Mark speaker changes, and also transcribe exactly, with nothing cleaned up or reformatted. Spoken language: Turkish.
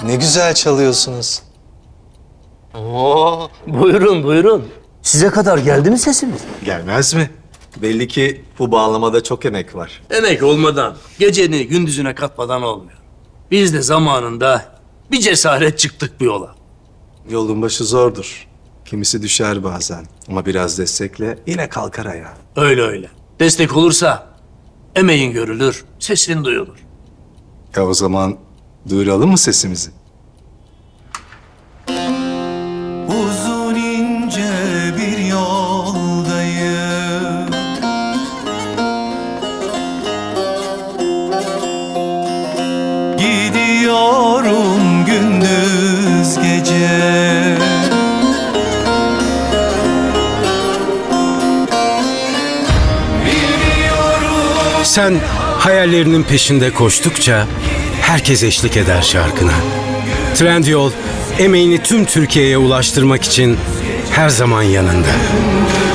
Speaker 1: Ne güzel çalıyorsunuz.
Speaker 2: Oo, buyurun buyurun. Size kadar geldi mi sesimiz?
Speaker 1: Gelmez mi? Belli ki bu bağlamada çok emek var.
Speaker 2: Emek olmadan, geceni gündüzüne katmadan olmuyor. Biz de zamanında bir cesaret çıktık bu yola.
Speaker 1: Yolun başı zordur. Kimisi düşer bazen ama biraz destekle yine kalkar ayağa.
Speaker 2: Öyle öyle. Destek olursa emeğin görülür, sesin duyulur.
Speaker 1: Ya o zaman duyuralım mı sesimizi?
Speaker 3: Uzun ince bir yoldayım, gidiyorum gündüz gece.
Speaker 4: Sen hayallerinin peşinde koştukça herkes eşlik eder şarkına. Trendyol, emeğini tüm Türkiye'ye ulaştırmak için her zaman yanında.